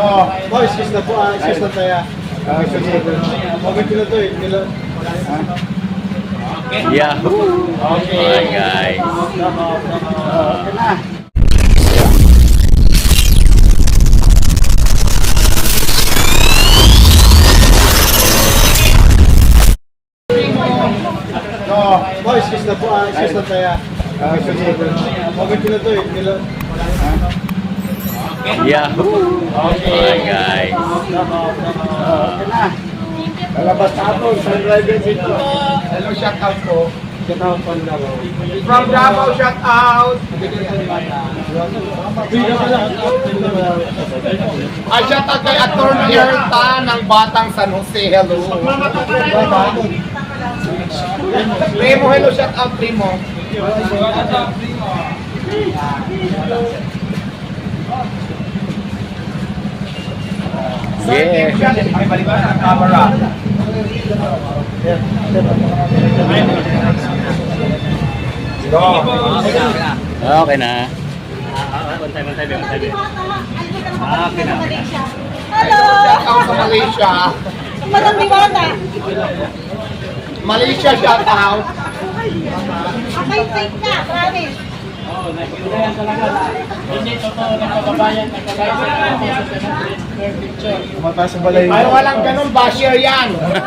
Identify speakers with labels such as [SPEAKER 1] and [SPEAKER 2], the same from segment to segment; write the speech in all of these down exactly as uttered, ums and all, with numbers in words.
[SPEAKER 1] Oo. Boys, excuse na po. ah, Excuse na tayo. Ah, sige. Okay, pila to eh. Pila.
[SPEAKER 2] Yahoo!
[SPEAKER 1] Okay.
[SPEAKER 2] Hi guys.
[SPEAKER 1] Okay na. Oo. Boys, excuse na po. ah, Excuse na tayo. Ah, sige. Okay, pila to eh. Pila.
[SPEAKER 2] Yahoo! Hi guys.
[SPEAKER 1] Okay na. Lalabas na ako sa driver dito. Hello, shout out po. Shout out from Davao. From Davao, shout out.
[SPEAKER 3] Ay, shout out kay Attorney Erta ng Batang San Jose. Hello. Primo, hello, shout out, Primo.
[SPEAKER 2] Yeah.
[SPEAKER 3] Ay, balikan ang camera.
[SPEAKER 2] Okay na.
[SPEAKER 4] Hello!
[SPEAKER 3] Shout out sa Malaysia.
[SPEAKER 4] Madam Diwata.
[SPEAKER 3] Malaysia, shout out.
[SPEAKER 4] Okay, fake na, promise.
[SPEAKER 1] Mataas ang balay.
[SPEAKER 3] Ay, walang ganun, basher yan.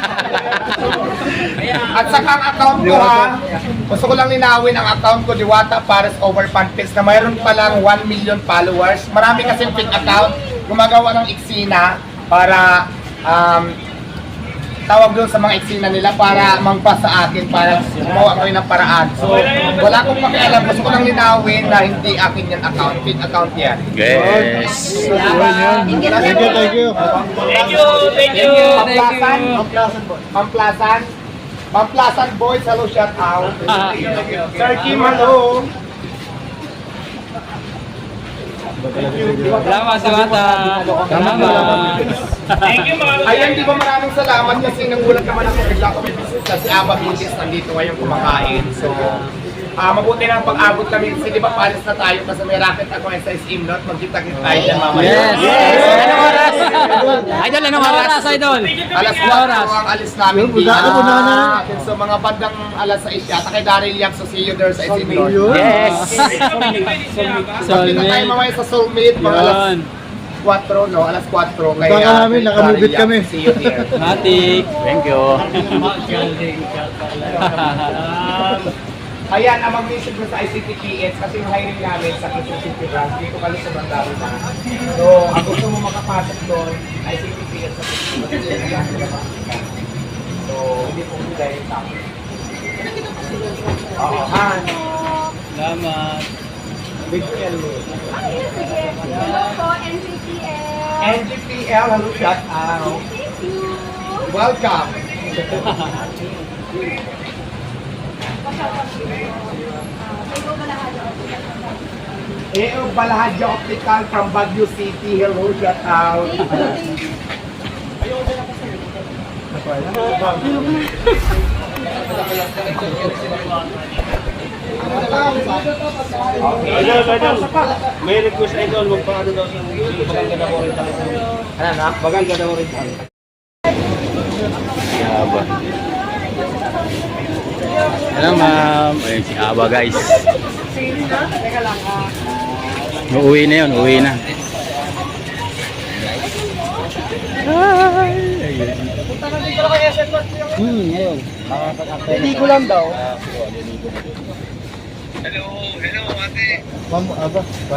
[SPEAKER 3] At saka ang account ko ha, gusto ko lang linawin ang account ko, Diwata Pares Over Fanpage, na mayroon palang one million followers. Marami kasing fake account, gumagawa ng eksena para um, tawag doon sa mga eksena nila para mangpas sa akin, para gumawa kami ng paraan. So, wala akong pakialam. Gusto ko lang linawin na hindi akin yan account, fake account yan.
[SPEAKER 2] Yes.
[SPEAKER 1] Thank you, thank you.
[SPEAKER 3] Thank you, thank you. Pamplasan, Pamplasan, Pamplasan boys, hello, shout out. Sir Kim, hello.
[SPEAKER 5] Salamat sa bata. Salamat. Thank you mga
[SPEAKER 3] Ayan, di ba maraming salamat kasi nagulat naman ako bigla ko may business kasi Aba Business nandito ngayon kumakain. So, ah mabuti na ang pag-abot kami kasi di ba palis na tayo kasi may racket ako sa Imnot. Magkita-kita tayo dyan mamaya.
[SPEAKER 5] Yes! Yes! Anong oras? Idol, anong oras, Idol?
[SPEAKER 3] Alas kwatro ang alis namin dito. So, mga bandang alas sais yata kay Daryl Yap. So, see you there sa Imnot.
[SPEAKER 5] Yes!
[SPEAKER 3] Magkita tayo mamaya sa Soulmate mga alas kwatro, no? Alas kwatro.
[SPEAKER 1] Baka namin, nakamubit kami.
[SPEAKER 3] See you there.
[SPEAKER 5] Matik.
[SPEAKER 2] Thank you.
[SPEAKER 3] Ayan, ang mag-visit mo sa I C T P S kasi yung hiring namin sa Quezon City branch, dito ka sa Bandaro na. So, ang gusto mo makapasok doon, I C T P S sa Quezon City branch. So, hindi po dahil sa akin. Oo, han.
[SPEAKER 5] Salamat.
[SPEAKER 3] Big L.
[SPEAKER 4] Hello po, N C P L.
[SPEAKER 3] N G P L, hello, shout out.
[SPEAKER 4] Thank you.
[SPEAKER 3] Welcome. E O Balahadja Optical from Baguio City, hello, shout out.
[SPEAKER 1] Idol, idol. May request idol, magpaano daw sa bagang ganda mo rin tayo.
[SPEAKER 3] Ano na?
[SPEAKER 1] Bagang ganda mo rin tayo.
[SPEAKER 2] Si Aba. Hello ma'am. Ayun si Aba guys. Uuwi na yun, uuwi na. Hi! Ayun.
[SPEAKER 1] Hmm, ngayon. Hindi ko lang daw.
[SPEAKER 3] Hello, hello ate.
[SPEAKER 1] Ma'am, aba, pa...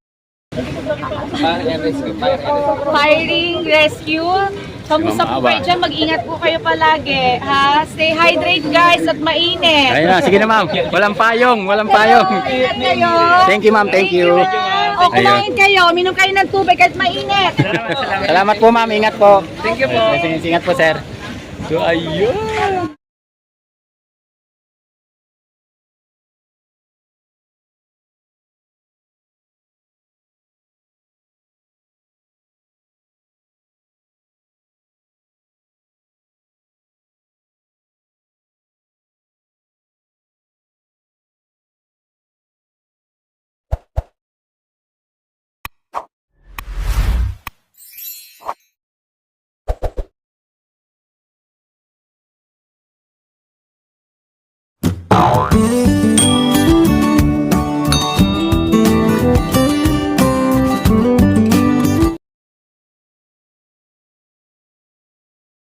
[SPEAKER 4] Firing rescue. Kamusta po kayo dyan? Mag-ingat po kayo palagi. Ha? Stay hydrated guys at mainit.
[SPEAKER 2] Ayun na, sige na ma'am. Walang payong, walang payong.
[SPEAKER 4] Ingat kayo.
[SPEAKER 2] Thank you ma'am, thank you.
[SPEAKER 4] O kumain kayo. Minom kayo ng tubig kahit mainit.
[SPEAKER 2] Salamat po ma'am, ingat po. Thank you po. Ingat po sir. So ayun.